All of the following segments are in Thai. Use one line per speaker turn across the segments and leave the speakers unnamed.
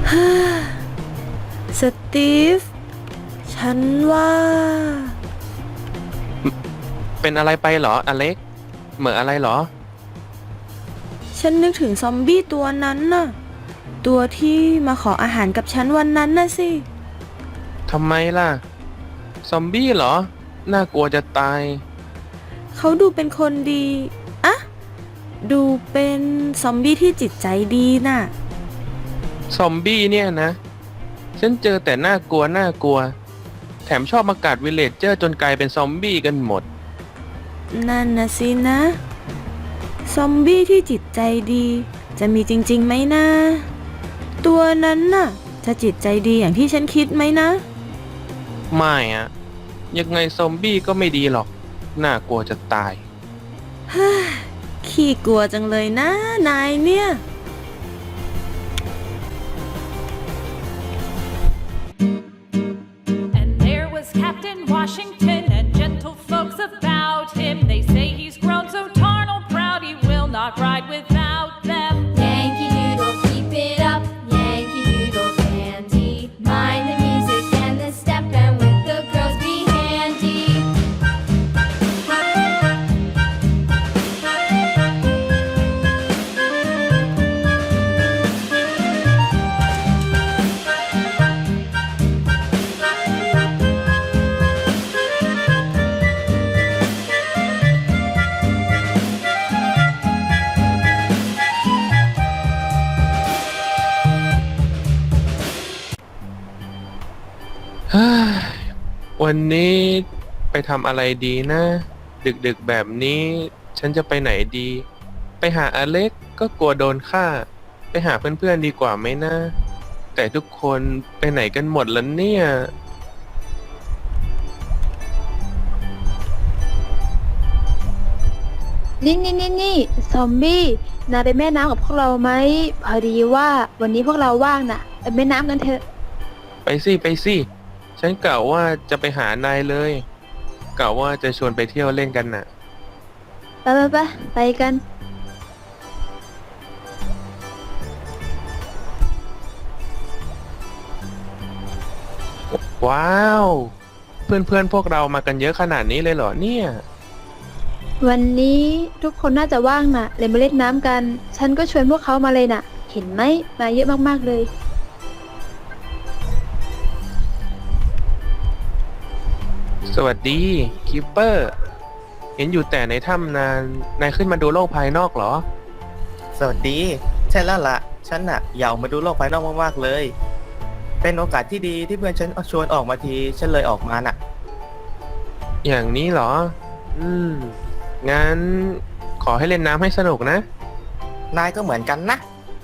สตีฟ ฉันว่า
เป็นอะไรไปเหรออเล็กเหม่ออะไรเหรอ
ฉันนึกถึงซอมบี้ตัวนั้นน่ะ ตัวที่มาขออาหารกับฉันวันนั้นน่ะสิ
ทำไมล่ะซอมบี้เหรอน่ากลัวจะตาย
เขาดูเป็นคนดีอะดูเป็นซอมบี้ที่จิตใจดีน่ะ
ซอมบี้เนี่ยนะฉันเจอแต่น่ากลัวแถมชอบมากัดวิลเลจเจอร์จนกลายเป็นซอมบี้กันหมด
นั่นนะสินะ ซอมบี้ที่จิตใจดี จะมีจริงๆไหมนะ ตัวนั้นน่ะ จะจิตใจดีอย่างที่ฉันคิดไหมนะ
ไม่อะยังไงซอมบี้ก็ไม่ดีหรอกน่ากลัวจะตาย
ขี้กลัวจังเลยนะนายเนี่ย
And there was Captain Washington and gentle folks about him. They say he's grown so tarnal proud he will not ride without them.
Yankee Doodle, keep it up. Yankee Doodle dandy. Mind the music and the step, and with the girls be handy.
เฮ้ยวันนี้ไปทำอะไรดีนะ ดึกๆแบบนี้ฉันจะไปไหนดี ไปหาอเล็กก็กลัวโดนฆ่า ไปหาเพื่อนๆดีกว่าไหมนะ แต่ทุกคนไปไหนกันหมดแล้วเนี่ย
นี่ซอมบี้นายไปแม่น้ำกับพวกเราไหมพอดีว่าวันนี้พวกเราว่างน่ะไปแม่น้ำกันเถอะ
ไปสิฉันกะว่าจะไปหานายเลยกะว่าจะชวนไปเที่ยวเล่นกันน่ะ
ไปกัน
ว้าว เพื่อนๆพวกเรามากันเยอะขนาดนี้เลยเหรอเนี่ย
วันนี้ทุกคนน่าจะว่างน่ะเลยมาเล่นน้ำกัน ฉันก็ชวนพวกเขามาเลยน่ะ เห็นไหมมาเยอะมากๆเลย
สวัสดีคิปเปอร์ เห็นอยู่แต่ในถ้ำนายขึ้นมาดูโลกภายนอกเหรอ
สวัสดี ใช่แล้วล่ะ ฉันน่ะอยากมาดูโลกภายนอกมากๆเลย เป็นโอกาสที่ดีที่เพื่อนฉันชวนออกมาที ฉันเลยออกมาน่ะ
อย่างนี้เหรอ งั้นขอให้เล่นน้ำให้สนุกนะ
นายก็เหมือนกันนะ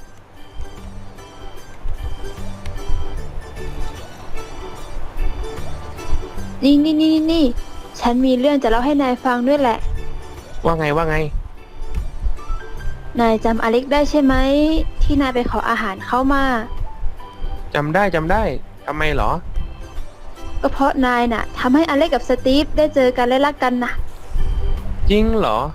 นี่ฉันมีเรื่องจะเล่าให้นายฟังด้วยแหละ
ว่าไง
นายจำอเล็กได้ใช่ไหมที่นายไปขออาหารเขามา
จำได้ทำไมเหรอ
ก็เพราะนายน่ะทำให้อเล็กกับสตีฟได้เจอกันและรักกันน่ะ
จริงเหรอ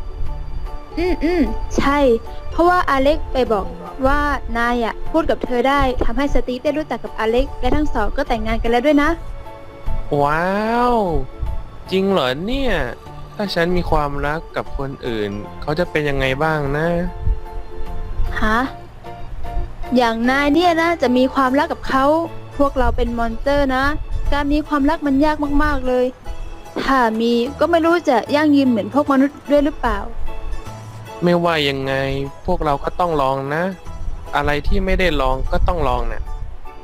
ใช่ เพราะว่าอเล็กไปบอกว่านายอ่ะพูดกับเธอได้ทำให้สตีฟได้รู้จักกับอเล็กและทั้งสองก็แต่งงานกันแล้วด้วยนะ
ว้าว จริงเหรอเนี่ย ถ้าฉันมีความรักกับคนอื่น เขาจะเป็นยังไงบ้างนะ
ฮะ อย่างนายเนี่ยนะจะมีความรักกับเขาพวกเราเป็นมอนสเตอร์นะ การมีความรักมันยากมากๆเลย ถ้ามีก็ไม่รู้จะยั่งยืนเหมือนพวกมนุษย์ด้วยหรือเปล่า
ไม่ว่ายังไงพวกเราก็ต้องลองนะ อะไรที่ไม่ได้ลองก็ต้องลองนะ่ะ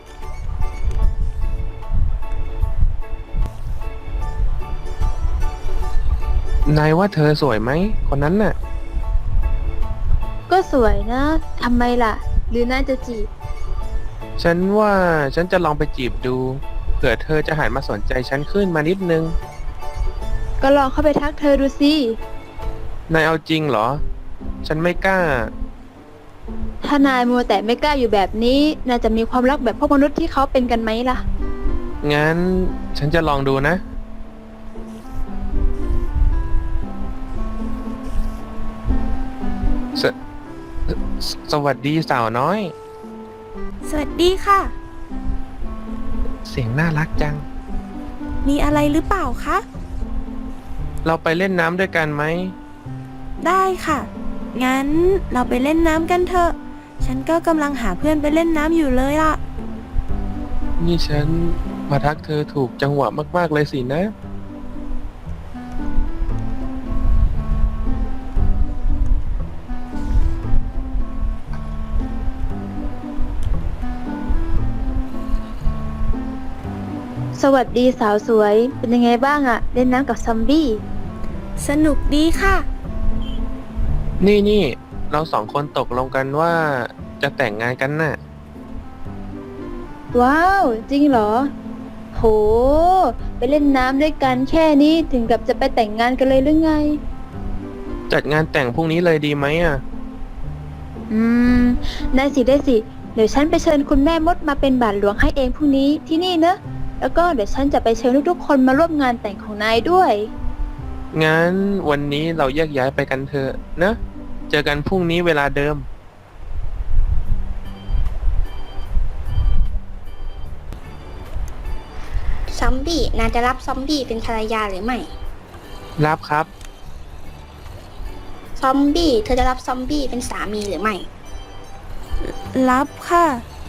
นายว่าเธอสวยไหมคนนั้นน่ะ
ก็สวยนะทำไมล่ะ หรือนายจะจีบ
ฉันว่าฉันจะลองไปจีบดูเผื่อเธอจะหันมาสนใจฉันขึ้นมานิดนึง
ก็ลองเข้าไปทักเธอดูสิ
นายเอาจริงเหรอ ฉันไม่กล้า
ถ้านายมัวแต่ไม่กล้าอยู่แบบนี้นายจะมีความรักแบบพวกมนุษย์ที่เขาเป็นกันไหมล่ะ
งั้นฉันจะลองดูนะ สวัสดีสาวน้อย
สวัสดีค่ะ
เสียงน่ารักจัง
มีอะไรหรือเปล่าคะ
เราไปเล่นน้ำด้วยกันไหม
ได้ค่ะ งั้นเราไปเล่นน้ำกันเถอะ ฉันก็กำลังหาเพื่อนไปเล่นน้ำอยู่เลยล่ะ
นี่ฉันมาทักเธอถูกจังหวะมากๆเลยสินะ
สวัสดีสาวสวย เป็นยังไงบ้างอะเล่นน้ำกับซอมบี้
สนุกดีค่ะ
นี่เราสองคนตกลงกันว่าจะแต่งงานกันน่ะ
ว้าว จริงเหรอ โห ไปเล่นน้ำด้วยกันแค่นี้ถึงกับจะไปแต่งงานกันเลยหรือไง
จัดงานแต่งพรุ่งนี้เลยดีไหมอ่ะ
อืม ได้สิได้สิ เดี๋ยวฉันไปเชิญคุณแม่มดมาเป็นบาทหลวงให้เองพรุ่งนี้ที่นี่เนอะ แล้วก็เดี๋ยวฉันจะไปเชิญทุกๆคนมาร่วมงานแต่งของนายด้วย
งั้นวันนี้เราแยกย้ายไปกันเถอะนะ เจอกันพรุ่งนี้เวลาเดิม
ซอมบี้นายจะรับซอมบี้เป็นภรรยาหรือไม่
รับครับ
ซอมบี้เธอจะรับซอมบี้เป็นสามีหรือไม่
รับค่ะ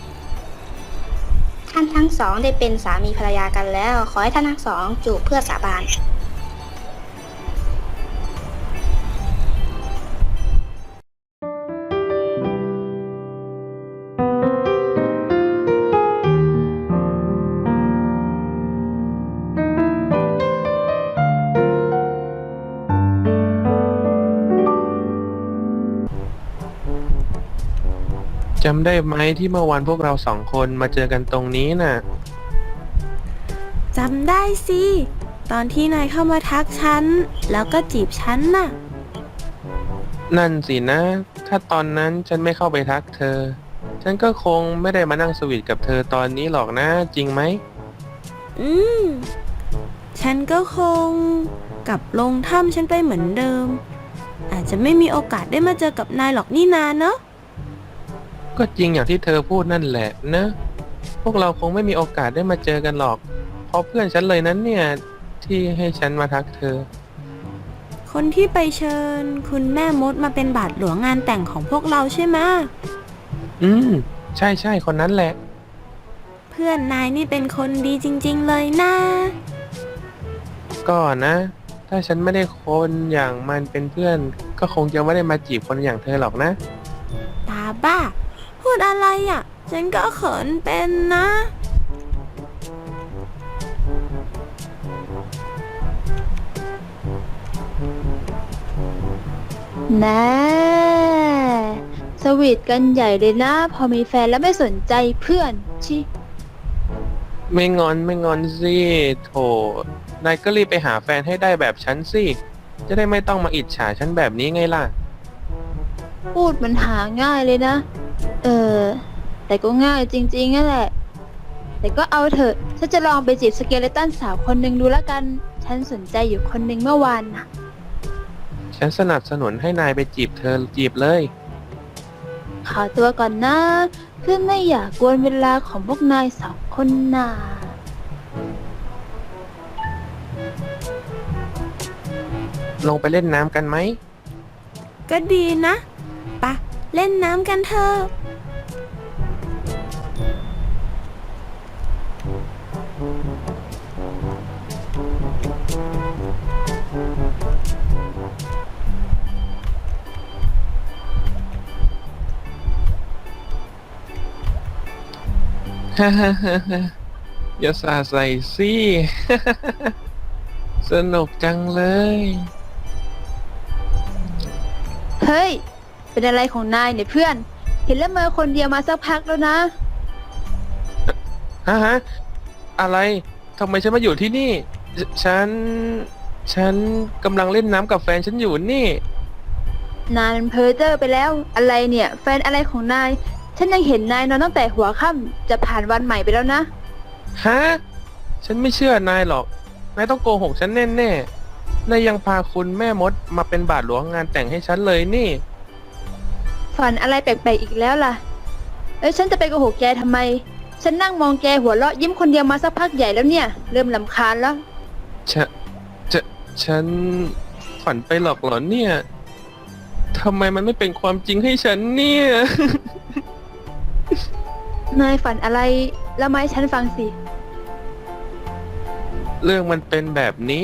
ท่านทั้งสองได้เป็นสามีภรรยากันแล้ว ขอให้ท่านทั้งสองจูบเพื่อสาบาน
จำได้ไหมที่เมื่อวานพวกเราสองคนมาเจอกันตรงนี้น่ะ
จำได้สิ ตอนที่นายเข้ามาทักฉัน แล้วก็จีบฉันน่ะ
นั่นสินะ ถ้าตอนนั้นฉันไม่เข้าไปทักเธอ ฉันก็คงไม่ได้มานั่งสวีทกับเธอตอนนี้หรอกนะ จริงไหม
อืม ฉันก็คงกลับลงถ้ำฉันไปเหมือนเดิม อาจจะไม่มีโอกาสได้มาเจอกับนายหรอกนี่นาเนอะ
ก็จริงอย่างที่เธอพูดนั่นแหละนะ พวกเราคงไม่มีโอกาสได้มาเจอกันหรอก เพราะเพื่อนฉันเลยนั้นเนี่ยที่ให้ฉันมาทักเธอ
คนที่ไปเชิญ คุณแม่มดมาเป็นบาทหลวงงานแต่งของพวกเราใช่ไหมะ
ใช่คนนั้นแหละ
เพื่อนนายนี่เป็นคนดีจริงๆเลยนะ
ก็นะ ถ้าฉันไม่ได้คนอย่างมันเป็นเพื่อน ก็คงจะไม่ได้มาจีบคนอย่างเธอหรอกนะ
ตาบ้า พูดอะไรอ่ะ ฉันก็เขินเป็นนะ
นะสวีทกันใหญ่เลยนะ พอมีแฟนแล้วไม่สนใจเพื่อนชิ
ไม่งอนสิโถนายก็รีบไปหาแฟนให้ได้แบบฉันสิ จะได้ไม่ต้องมาอิจฉาฉันแบบนี้ไงล่ะ
พูดมันหาง่ายเลยนะ แต่ก็ง่ายจริงๆนั่นแหละ แต่ก็เอาเถอะ ฉันจะลองไปจีบสเกเลตันสาวคนหนึ่งดูแล้วกัน ฉันสนใจอยู่คนหนึ่งเมื่อวานน่ะ
ฉันสนับสนุนให้นายไปจีบเธอจีบเลย
ขอตัวก่อนนะ เพื่อนไม่อยากกวนเวลาของพวกนายสองคนน่ะ
ลงไปเล่นน้ำกันไหม
ก็ดีนะปะเล่นน้ำกันเถอะ
ฮ่าฮ่าฮ่าฮ่าอย่าสาใส่สิ สนุกจังเลย
เฮ้ย เป็นอะไรของนายเนี่ยเพื่อน เห็นแล้วเมอคนเดียวมาสักพักแล้วนะ
ฮะ อะไร ทำไมฉันมาอยู่ที่นี่ ฉันกำลังเล่นน้ำกับแฟนฉันอยู่นี่
นายมันเพ้อเจ้อไปแล้ว อะไรเนี่ย แฟนอะไรของนาย ฉันยังเห็นนายนอนตั้งแต่หัวค่ำจะผ่านวันใหม่ไปแล้วนะ
ฮะ ฉันไม่เชื่อนายหรอก นายต้องโกหกฉันแน่ๆ นายยังพาคุณแม่มดมาเป็นบาทหลวงงานแต่งให้ฉันเลยนี่
ฝันอะไรแปลกๆอีกแล้วล่ะแล้วฉันจะไปโกหกแกทำไม ฉันนั่งมองแกหัวเราะยิ้มคนเดียวมาสักพักใหญ่แล้วเนี่ย เริ่มลำคาญแล้ว
ฉันฝันไปหรอกเหรอเนี่ยทำไมมันไม่เป็นความจริงให้ฉันเนี่ย
นายฝันอะไรแล้วมาให้ฉันฟังสิ
เรื่องมันเป็นแบบนี้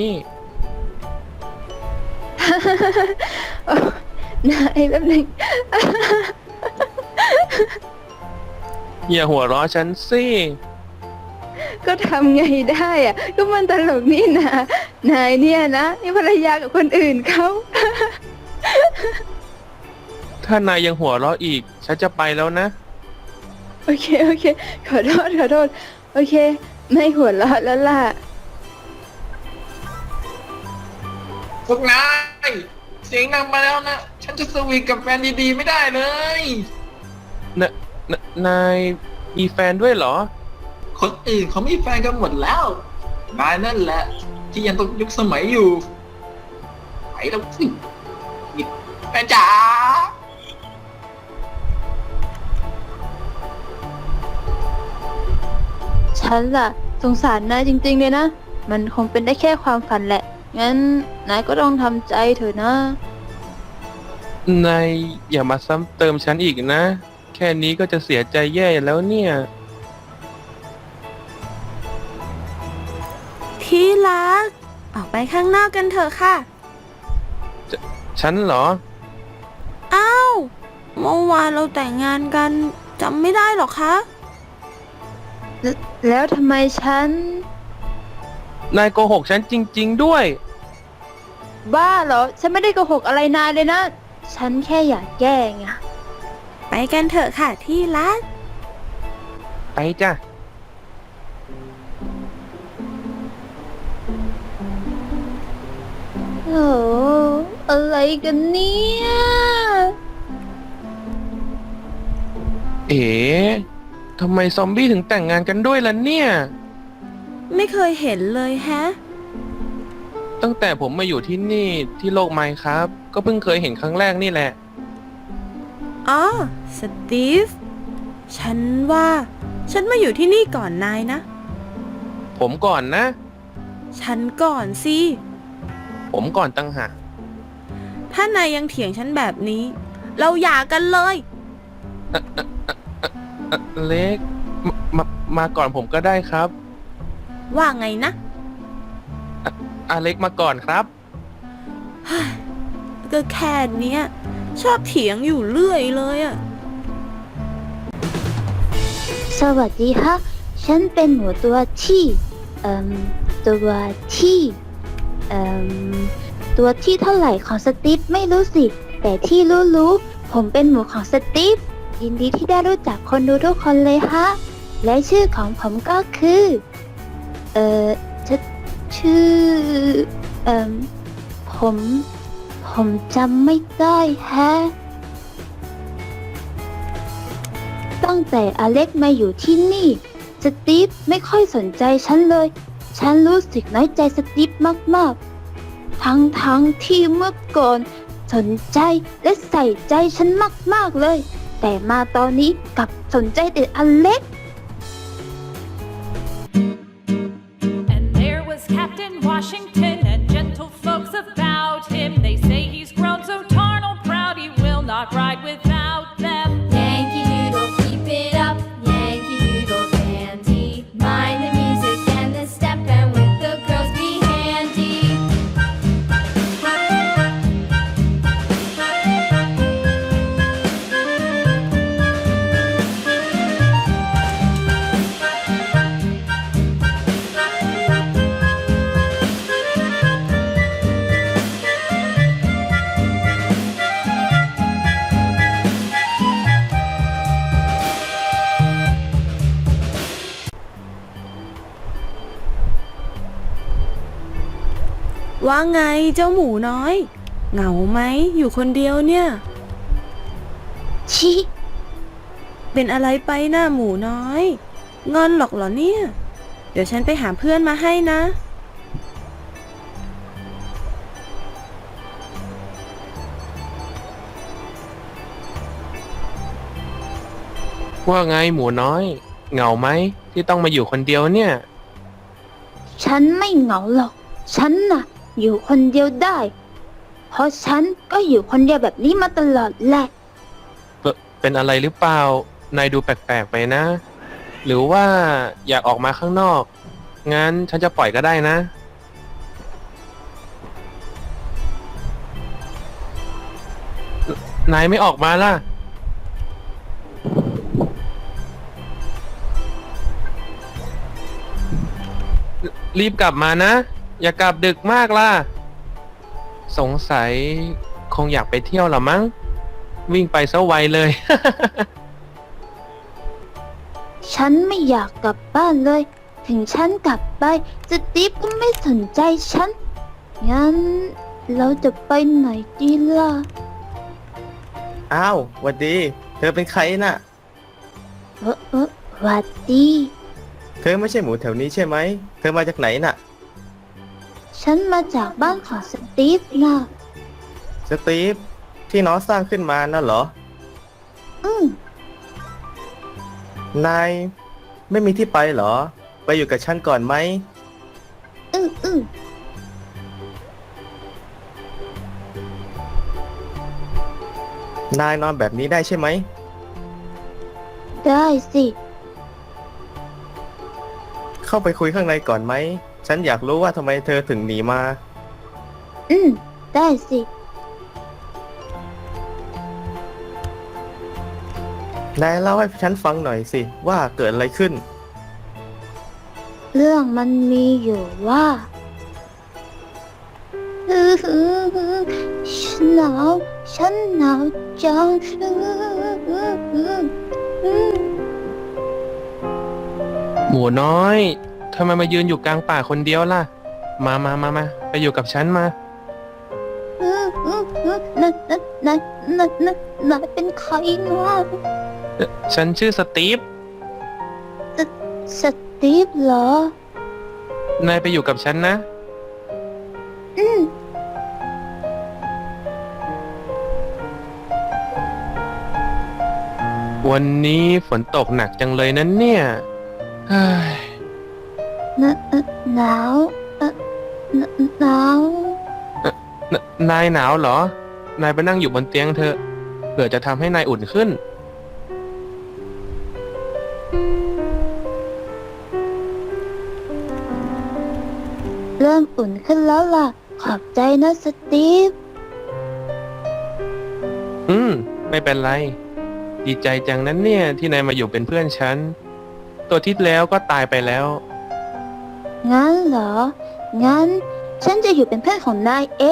นายแป๊บหนึง
อย่าหัวเราะฉันสิ
ก็ทำไงได้อะก็มันตลกนี่นะนายเนี่ยนะนี่ภรรยากับคนอื่นเขา
ถ้านายยังหัวเราะอีก ฉันจะไปแล้วนะ
โอเค ขอโทษ โอเค ไม่หัวเราะแล้วล่ะ
พวกนายเสียงดังไปแล้วนะ ฉันจะสวีทกับแฟนดีๆไม่ได้เลย
นายมีแฟนด้วยเหรอ
คนอื่นเขามีแฟนกันหมดแล้ว นายนั่นแหละ ที่ยังตกยุคสมัยอยู่ไปแล้วสินี่แฟนจ๋า
ฉันล่ะ สงสารนายจริงๆเลยนะ มันคงเป็นได้แค่ความฝันแหละ งั้นนายก็ต้องทำใจเถอะนะ
นายอย่ามาซ้ำเติมฉันอีกนะ แค่นี้ก็จะเสียใจแย่แล้วเนี่ย
ที่รัก ออกไปข้างนอกกันเถอะค่ะ
ฉันเหรอ
อ้าว เมื่อวานเราแต่งงานกันจำไม่ได้หรอคะ
แล้วทำไมฉัน
นายโกหกฉันจริง ๆด้วย
บ้าเหรอ ฉันไม่ได้โกหกอะไรนายเลยนะ ฉันแค่อยากแก้ไง
ไปกันเถอะค่ะที่รัก
ไปจ้ะ
โอ้อะไรกันเนี่ย
เอ๋ทำไมซอมบี้ถึงแต่งงานกันด้วยล่ะเนี่ย
ไม่เคยเห็นเลยแฮะ
ตั้งแต่ผมมาอยู่ที่นี่ที่โลกไมค์ครับ ก็เพิ่งเคยเห็นครั้งแรกนี่แหละ
อ๋อ สตีฟ ฉันว่าฉันมาอยู่ที่นี่ก่อนนายนะ
ผมก่อนนะ
ฉันก่อนสิ
ผมก่อนตั้งหาก
ถ้านายยังเถียงฉันแบบนี้ เราหย่ากันเลย
เล็กมาก่อนผมก็ได้ครับ
ว่าไงนะ
อเล็กมาก่อนครับ
ก็แค่เนี้ย ชอบเถียงอยู่เรื่อยเลยอะ
สวัสดีฮะ ฉันเป็นหนูตัวที่ ตัวที่ ตัวที่เท่าไหร่ของสตีฟไม่รู้สิ แต่ที่รู้ผมเป็นหมูของสตีฟ ยินดีที่ได้รู้จักคนดูทุกคนเลยฮะ และชื่อของผมก็คือ ชื่อ ผมจำไม่ได้แฮะ ตั้งแต่อเล็กมาอยู่ที่นี่ สตีฟไม่ค่อยสนใจฉันเลย ฉันรู้สึกน้อยใจสตีฟมากๆ ทั้งที่เมื่อก่อนสนใจและใส่ใจฉันมากๆเลย แต่มาตอนนี้กลับสนใจแต่อเล็ก
And there was Captain Washington and gentle folks about him. They say he's grown so tarnal proud he will not ride without them.
Yankee Doodle, keep it up. Yankee Doodle dandy. Mind the music and the step, and with the girls be handy.
ว่าไงเจ้าหมูน้อย เหงาไหมอยู่คนเดียวเนี่ย
ชิ
เป็นอะไรไปหน้าหมูน้อย งอนหรอกเหรอเนี่ย เดี๋ยวฉันไปหาเพื่อนมาให้นะ
ว่าไงหมูน้อย เหงาไหมที่ต้องมาอยู่คนเดียวเนี่ย
ฉันไม่เหงาหรอก ฉันน่ะ อยู่คนเดียวได้ เพราะฉันก็อยู่คนเดียวแบบนี้มาตลอดแหละ
เป็นอะไรหรือเปล่า นายดูแปลกๆไปนะ หรือว่าอยากออกมาข้างนอก งั้นฉันจะปล่อยก็ได้นะ นายไม่ออกมาล่ะ รีบกลับมานะ อย่ากลับดึกมากล่ะ สงสัยคงอยากไปเที่ยวหรอมั้ง วิ่งไปซะไวเลย
ฉันไม่อยากกลับบ้านเลย ถึงฉันกลับไปสตีฟก็ไม่สนใจฉัน งั้นเราจะไปไหนดีล่ะ
อ้าวหวัดดี เธอเป็นใครน่ะ
หวัดดี
เธอไม่ใช่หมูแถวนี้ใช่ไหม เธอมาจากไหนน่ะ
ฉันมาจากบ้านของสตีฟนะ
สตีฟที่น้องสร้างขึ้นมาน่ะเหรอ
อืม
นายไม่มีที่ไปเหรอ ไปอยู่กับฉันก่อนไหม
อืม
นายนอนแบบนี้ได้ใช่ไหม
ได้สิ
เข้าไปคุยข้างในก่อนไหม ฉันอยากรู้ว่าทำไมเธอถึงหนีมา
ได้สิ
นายเล่าให้ฉันฟังหน่อยสิว่าเกิดอะไรขึ้น
เรื่องมันมีอยู่ว่า ฉันหนาว ฉันหนาวจัง
หมูน้อยทำไมมายืนอยู่กลางป่าคนเดียวล่ะ มาไปอยู่กับฉันมา
นายเป็นใครนะ
ฉันชื่อสตีฟ
สตีฟเหรอ
นายไปอยู่กับฉันนะ วันนี้ฝนตกหนักจังเลยนั้นเนี่ยเฮ้ย
หนาวหนาว
นายหนาวเหรอ นายไปนั่งอยู่บนเตียงเถอะ เผื่อจะทำให้นายอุ่นขึ้น
เริ่มอุ่นขึ้นแล้วล่ะ ขอบใจนะสตีฟ
ไม่เป็นไร ดีใจจังนั้นเนี่ยที่นายมาอยู่เป็นเพื่อนฉัน ตัวที่แล้วก็ตายไปแล้ว
งั้นเหรอ งั้นฉันจะอยู่เป็นเพื่อนของนายเอง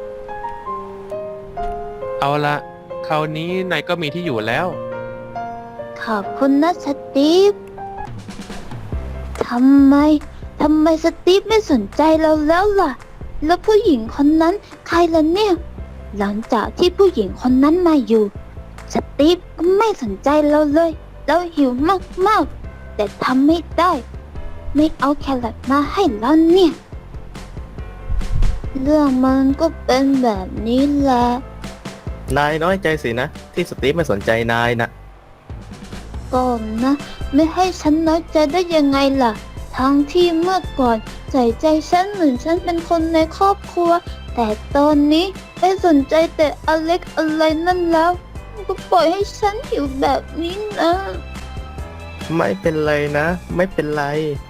เอาละคราวนี้นายก็มีที่อยู่แล้ว
ขอบคุณนะสตีฟ ทำไมสตีฟไม่สนใจเราแล้วล่ะ แล้วผู้หญิงคนนั้นใครล่ะเนี่ย หลังจากที่ผู้หญิงคนนั้นมาอยู่ สตีฟก็ไม่สนใจเราเลย เราหิวมากๆ แต่ทำไม่ได้ ไม่เอาแครอทมาให้เราเนี่ย เรื่องมันก็เป็นแบบนี้แหละ
นายน้อยใจสินะ ที่สตีฟไม่สนใจนายนะ
ก่อนนะ ไม่ให้ฉันน้อยใจได้ยังไงล่ะ ทั้งที่เมื่อก่อนใส่ใจฉันเหมือนฉันเป็นคนในครอบครัว แต่ตอนนี้ไม่สนใจแต่อเล็กอะไรนั่นแล้ว ก็ปล่อยให้ฉันหิวแบบนี้นะ
ไม่เป็นไรนะ ไม่เป็นไร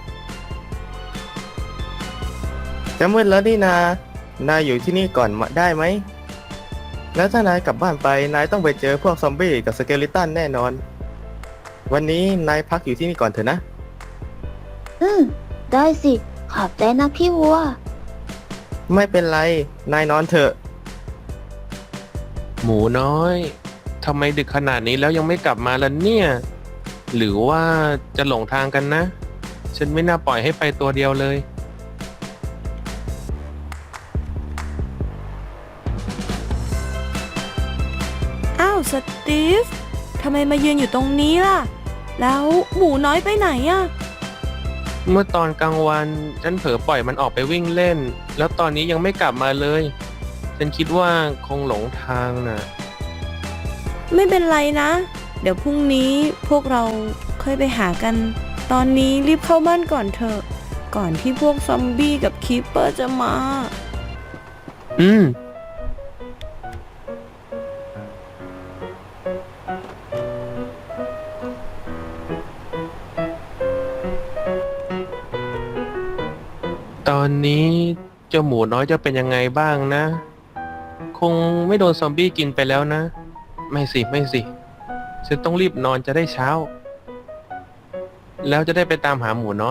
จะมืดแล้วนี่นายอยู่ที่นี่ก่อนมาได้ไหม แล้วถ้านายกลับบ้านไป นายต้องไปเจอพวกซอมบี้กับสเกลิตันแน่นอน วันนี้นายพักอยู่ที่นี่ก่อนเถอะนะ
ได้สิ ขอบใจนะพี่วัว
ไม่เป็นไร นายนอนเถอะ
หมูน้อยทำไมดึกขนาดนี้แล้วยังไม่กลับมาล่ะเนี่ย หรือว่าจะหลงทางกันนะ ฉันไม่น่าปล่อยให้ไปตัวเดียวเลย
อ้าวสตีฟ ทำไมมายืนอยู่ตรงนี้ล่ะ แล้วหมูน้อยไปไหนอะ
เมื่อตอนกลางวันฉันเผลอปล่อยมันออกไปวิ่งเล่น แล้วตอนนี้ยังไม่กลับมาเลย ฉันคิดว่าคงหลงทางน่ะ
ไม่เป็นไรนะเดี๋ยวพรุ่งนี้พวกเราค่อยไปหากัน ตอนนี้รีบเข้าบ้านก่อนเถอะ ก่อนที่พวกซอมบี้กับคีปเปอร์จะมา
อืม ตอนนี้เจ้าหมูน้อยจะเป็นยังไงบ้างนะ คงไม่โดนซอมบี้กินไปแล้วนะ ไม่สิ ไม่สิ ฉันต้องรีบนอนจะได้เช้า แล้วจะได้ไปตามหาหมูน้อย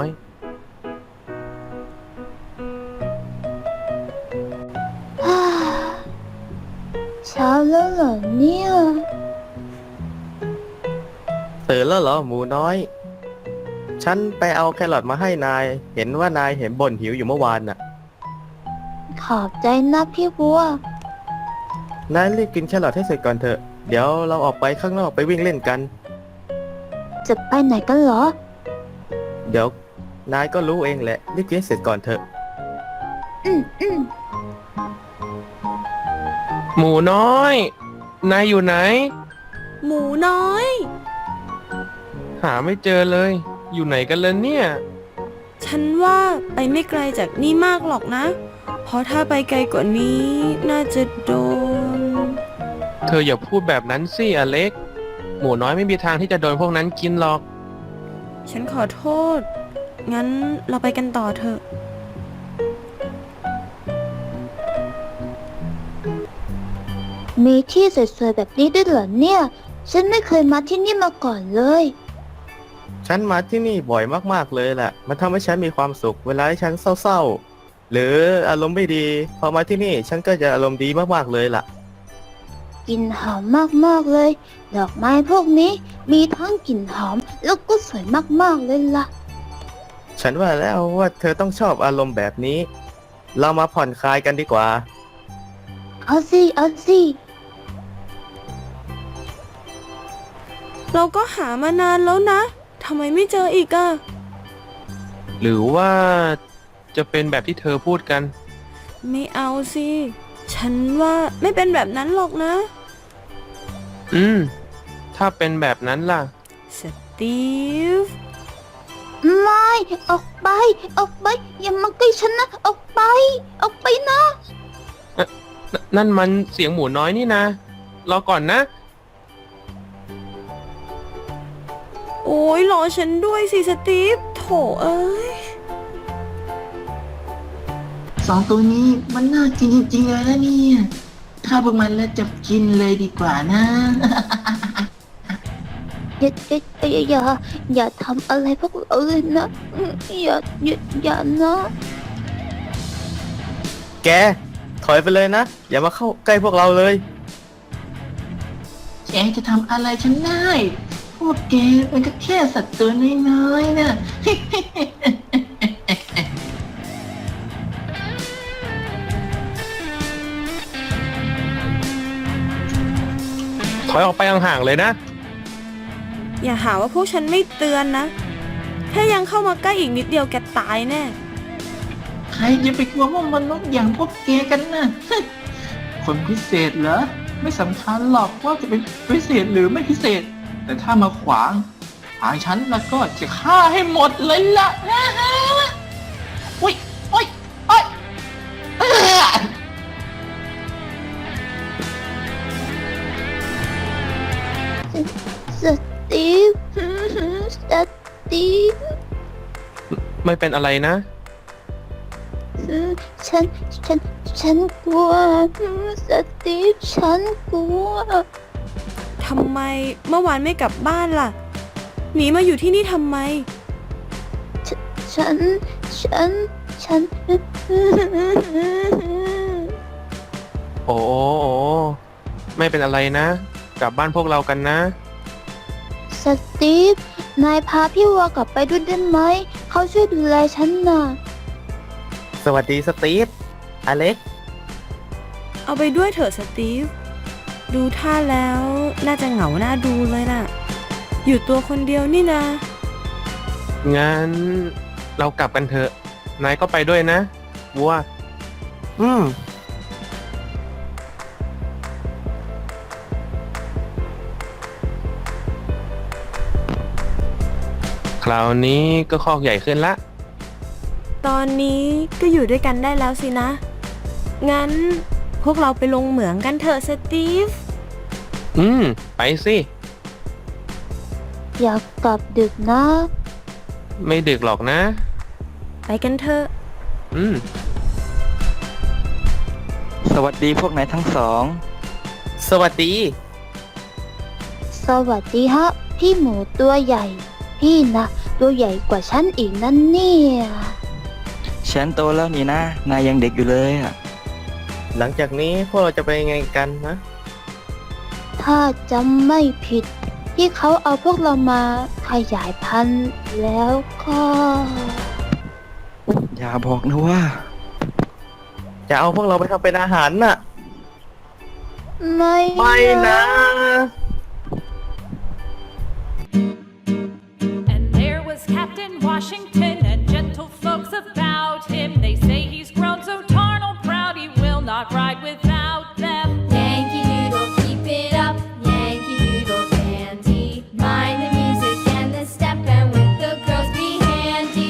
เช้าแล้วเหรอเนี่ย
ตื่นแล้วเหรอหมูน้อย ฉันไปเอาแครอทมาให้นาย เห็นว่านายเห็นบ่นหิวอยู่เมื่อวานน่ะ
ขอบใจนะพี่บัว
นายรีบกินแครอทให้เสร็จก่อนเถอะ เดี๋ยวเราออกไปข้างนอกไปวิ่งเล่นกัน
จะไปไหนกันเหรอ
เดี๋ยวนายก็รู้เองแหละ รีบกินให้เสร็จก่อนเถอะ
อืม
หมูน้อย นายอยู่ไหน
หมูน้อย
หาไม่เจอเลย อยู่ไหนกันเลยเนี่ย
ฉันว่าไปไม่ไกลจากนี่มากหรอกนะ เพราะถ้าไปไกลกว่านี้น่าจะโดน
เธออย่าพูดแบบนั้นสิอเล็ก หมูน้อยไม่มีทางที่จะโดนพวกนั้นกินหรอก
ฉันขอโทษ งั้นเราไปกันต่อเถอะ
มีที่สวยๆแบบนี้ด้วยเหรอเนี่ย ฉันไม่เคยมาที่นี่มาก่อนเลย
ฉันมาที่นี่บ่อยมากๆเลยแหละ มันทำให้ฉันมีความสุข เวลาที่ฉันเศร้าๆ หรืออารมณ์ไม่ดี พอมาที่นี่ฉันก็จะอารมณ์ดีมากๆเลยล่ะ
กลิ่นหอมมากๆเลย ดอกไม้พวกนี้มีทั้งกลิ่นหอมแล้วก็สวยมากๆเลยล่ะ
ฉันว่าแล้วว่าเธอต้องชอบอารมณ์แบบนี้ เรามาผ่อนคลายกันดีกว่า
เอาสิ เอาสิ
เราก็หามานานแล้วนะ ทำไมไม่เจออีกอะ
หรือว่าจะเป็นแบบที่เธอพูดกัน
ไม่เอาสิ ฉันว่าไม่เป็นแบบนั้นหรอกนะ
ถ้าเป็นแบบนั้นล่ะ
สตีฟ
ไม่ ออกไป ออกไป อย่ามาใกล้ฉันนะ ออกไป ออกไปนะ
นั่นมันเสียงหมูน้อยนี่นะ รอก่อนนะ
โอ้ยรอฉันด้วยสิสตีฟ โถเอ้ย
สองตัวนี้มันน่ากินจริงๆเลยนะเนี่ยถ้าพวกมันแล้วจับกินเลยดีกว่านะ
อย่าทำอะไรพวกเราเลยนะอย่านะ
แก ถอยไปเลยนะ อย่ามาเข้าใกล้พวกเราเลย
แกจะทำอะไรฉันได้ พวกแกเป็นก็แค่สัตว์ตัวน้อยๆนะ
ถอยออกไปห่างๆเลยนะ
อย่าหาว่าพวกฉันไม่เตือนนะ ถ้ายังเข้ามาใกล้อีกนิดเดียวแกตายแน่
ใครจะไปกลัวว่ามนุษย์อย่างพวกแกกันนะ คนพิเศษเหรอ ไม่สำคัญหรอกว่าจะเป็นพิเศษหรือไม่พิเศษ แต่ถ้ามาขวางทางฉันแล้วก็จะฆ่าให้หมดเลยล่ะนะฮะอุ้ยอุ้ยอุ้ยเอ้อ
สตีฟ สตีฟ
ไม่เป็นอะไรนะ
ฉันกลัว สตีฟ ฉันกลัว
ทำไมเมื่อวานไม่กลับบ้านล่ะ หนีมาอยู่ที่นี่ทำไม
ฉัน
โอ้ไม่เป็นอะไรนะ กลับบ้านพวกเรากันนะ
สตีฟ นายพาพี่วัวกลับไปด้วยได้ไหม เขาช่วยดูแลฉันน่ะ
สวัสดีสตีฟ อเล็ก
เอาไปด้วยเถอะสตีฟ ดูท่าแล้วน่าจะเหงาหน้าดูเลยน่ะ อยู่ตัวคนเดียวนี่นะ
งั้นเรากลับกันเถอะ นายก็ไปด้วยนะวัว
อืม
คราวนี้ก็คอกใหญ่ขึ้นละ
ตอนนี้ก็อยู่ด้วยกันได้แล้วสินะ งั้นพวกเราไปลงเหมืองกันเถอะสตีฟ
ไปสิ
อยากกลับดึกนะ
ไม่ดึกหรอกนะ
ไปกันเถอะ
สวัสดีพวกนายทั้งสอง
สวัสดี
สวัสดีฮะ พี่หมูตัวใหญ่ พี่นะตัวใหญ่กว่าฉันอีกนั่นเนี่ย
ฉันโตแล้วนี่นะ นายยังเด็กอยู่เลยอ่ะ
หลังจากนี้พวกเราจะไปยังไงกันนะ
ถ้าจำไม่ผิด ที่เขาเอาพวกเรามาขยายพันธุ์แล้วก็
อย่าบอกนะว่า
จะเอาพวกเราไปทำเป็นอาหารน่ะ
ไม่
ไม่นะ
And there was Captain Washington and gentle folks about him. They say he's grown so tarnal proud he will not ride without them.
Yankee Doodle, keep it up. Yankee Doodle dandy. Mind the music and the step, and with the girls be handy.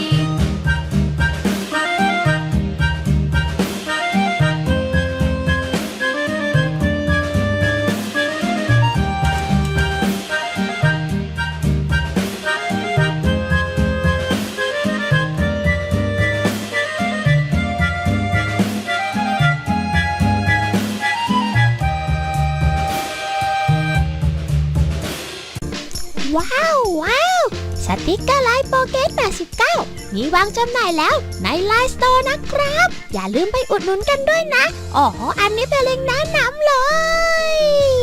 ว้าว สติกเกอร์ไลน์โปเกต89 มีวางจำหน่ายแล้วในไลน์สโตร์นะครับ อย่าลืมไปอุดหนุนกันด้วยนะ อ๋อ อันนี้เป็นเล็งก์แนะนำเลย